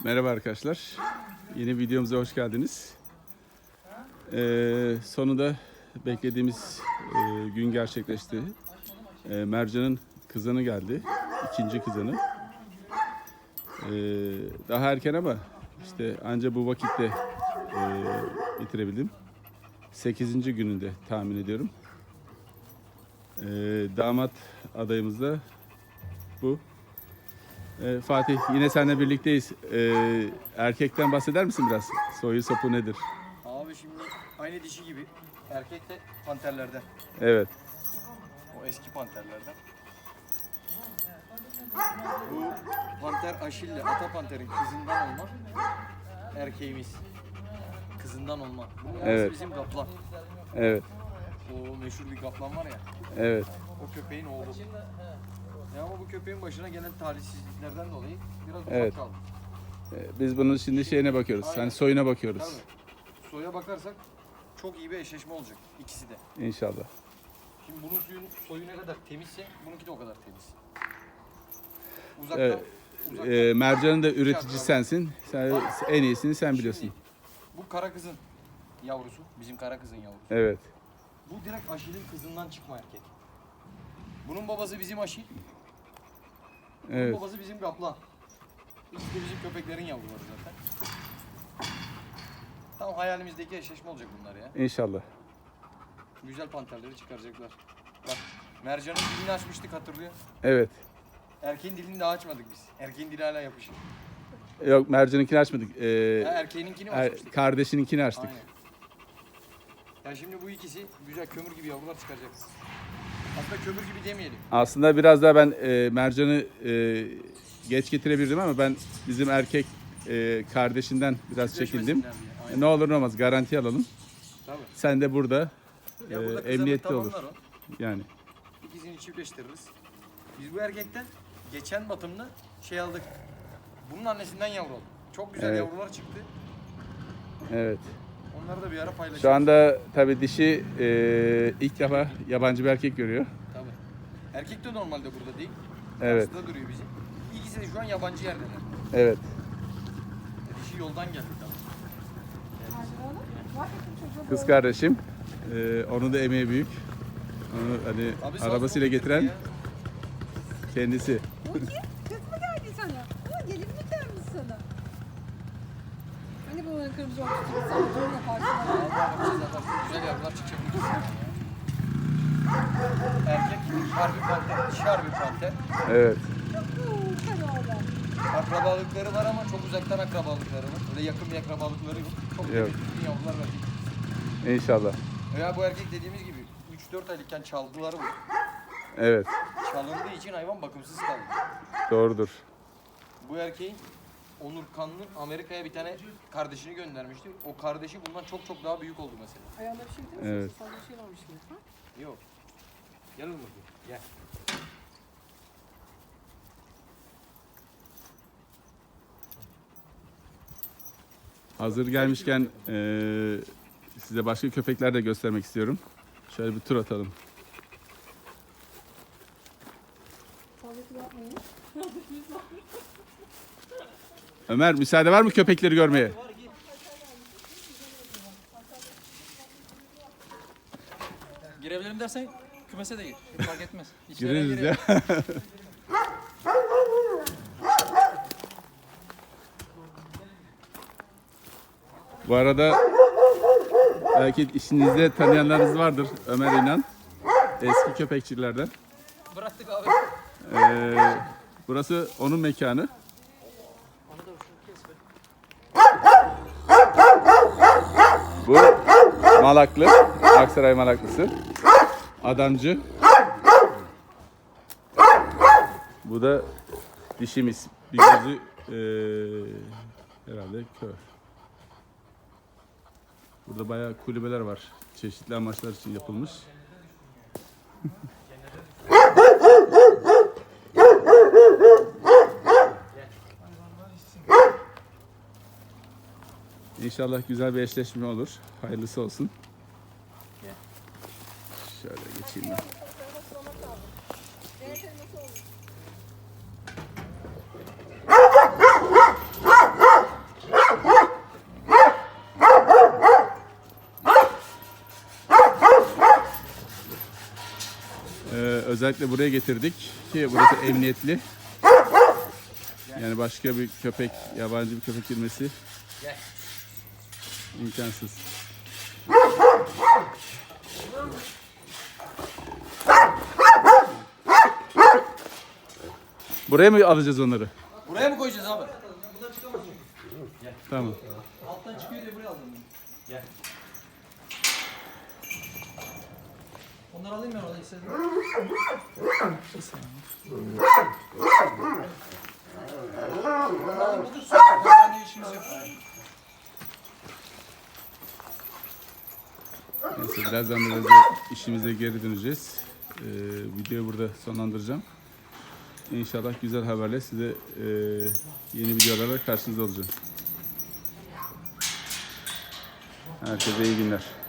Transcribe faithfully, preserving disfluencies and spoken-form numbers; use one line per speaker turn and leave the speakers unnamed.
Merhaba arkadaşlar. Yeni videomuza hoş geldiniz. Ee, sonunda beklediğimiz e, gün gerçekleşti. Ee, Mercan'ın kızanı geldi. İkinci kızanı. Ee, daha erken ama işte anca bu vakitte e, bitirebildim. Sekizinci gününde tahmin ediyorum. Ee, damat adayımız da bu. Ee, Fatih, yine seninle birlikteyiz. Ee, erkekten bahseder misin biraz? Soyu sopu nedir?
Abi şimdi aynı dişi gibi. Erkek de panterlerden.
Evet.
O eski panterlerden. Bu panter Aşil'le ata panterin kızından olma. Erkeğimiz. Kızından olma. Bunun babası
Evet.
bizim kaplan.
Evet.
O meşhur bir kaplan var ya.
Evet.
O köpeğin oğlu. Ya ama bu köpeğin başına gelen talihsizliklerden dolayı biraz uzak
Evet.
kaldı.
Ee, biz bunun şimdi şeyine bakıyoruz.
Aynen.
Hani soyuna bakıyoruz.
Tabii. Soya bakarsak çok iyi bir eşleşme olacak ikisi de.
İnşallah.
Şimdi bunun suyun, soyu ne kadar temizse bununki de o kadar temiz. Uzaktan,
Evet.
uzaktan
Ee, Mercan'ın da üretici sensin. Sen en iyisini sen biliyorsun.
Şimdi, bu kara kızın yavrusu, bizim kara kızın yavrusu.
Evet.
Bu direkt Aşil'in kızından çıkma erkek. Bunun babası bizim Aşil, bunun
Evet.
babası bizim kaplan. İkisi de bizim köpeklerin yavruları zaten. Tam hayalimizdeki eşleşme olacak bunlar ya.
İnşallah.
Güzel panterleri çıkaracaklar. Bak, Mercan'ın dilini açmıştık, hatırlıyor.
Evet.
Erkeğin dilini daha açmadık biz. Erkeğin dili hala yapışık.
Yok, Mercan'ınkini açmadık. Ee,
Ya erkeğininkini mi
er-
açmıştık?
kardeşininkini açtık.
Aynen. Ya şimdi bu ikisi güzel kömür gibi yavrular çıkaracak. Aslında kömür gibi demeyelim.
Aslında biraz daha ben e, Mercan'ı e, geç getirebilirdim ama ben bizim erkek e, kardeşinden biraz çekindim.
Çiftleşmesinler diye. Aynen.
Ne olur ne olmaz garanti alalım.
Tabii.
Sen de burada
Ya
e,
burada kızarır,
emniyetli olur.
tamamlar o.
Yani.
İkisini çiftleştiririz. Biz bu erkekten geçen batımda şey aldık. Bunun annesinden yavru aldık. Çok güzel
Evet.
yavrular çıktı.
Evet.
Onları da bir ara paylaşırız.
Şu anda tabii dişi e, ilk defa yabancı bir erkek görüyor.
Tabii. Erkek de normalde burada değil.
Evet.
Karşıda duruyor bizim. İkisi de şu an yabancı yerdeler.
Evet.
Dişi yoldan geldi tabii.
Kız kardeşim. E, onun da emeği büyük. Onu hani
Abi sağ
arabasıyla
sol
getiren
ya.
kendisi.
Bakayım, kız mı geldi sana? Ha, gelin mi gelmiş sana? Hani bu kırmızı olmuştu, sen böyle yaparsın.
Vallahi bakacağız zaten. Güzel yavrular çıkacak. bu ikisinden ya. Erkek harbi panter, dişi harbi panter.
Evet.
Çok fena.
Akrabalıkları var ama çok uzaktan akrabalıkları var. Öyle yakın bir akrabalıkları yok. Çok
Yok.
kıymetli yavrular verecek.
İnşallah.
Veya bu erkek dediğimiz gibi üç dört aylıkken çaldılar bu.
Evet.
Çalındığı için hayvan bakımsız kaldı.
Doğrudur.
Bu erkeğin Onur Kanlı Amerika'ya bir tane kardeşini göndermişti. O kardeşi bundan çok çok daha büyük oldu mesela.
Ayağında bir şey değil mi?
Evet.
Sana bir şey varmış gibi. Ha?
Yok. Gel oğlum bakayım. Gel.
Hazır gelmişken eee, size başka köpekler de göstermek istiyorum. Şöyle bir tur atalım.
Sağlıklı yapmayın.
Ömer, müsaade var mı köpekleri görmeye?
Girebilirim dersen kümese de gir. Fark etmez. İçlerine
Gireriz
girelim.
ya. Bu arada belki işinizde tanıyanlarınız vardır. Ömer İnan. Eski köpekçilerden.
Bıraktık abi.
Ee, burası onun mekanı. Bu Malaklı, Aksaray Malaklısı. Adamcı. Bu da dişimiz. Bir gözü eee, herhalde kör. Burada bayağı kulübeler var. Çeşitli amaçlar için yapılmış. İnşallah güzel bir eşleşme olur. Hayırlısı olsun. Şöyle geçeyim ben. özellikle buraya getirdik ki burası emniyetli. Yani başka bir köpek, yabancı bir köpek girmesi imkansız. Buraya mı alacağız onları?
Buraya mı koyacağız abi?
Tamam.
Alttan çıkıyor diye buraya aldım. Gel. Onları alayım ben orada istedim. Bir saniye. Onları alayım da dursun. Ben de işimiz yok.
Neyse birazdan biraz da işimize geri döneceğiz. Ee, videoyu burada sonlandıracağım. İnşallah güzel haberle size e, yeni videolarla karşınızda olacağım. Herkese iyi günler.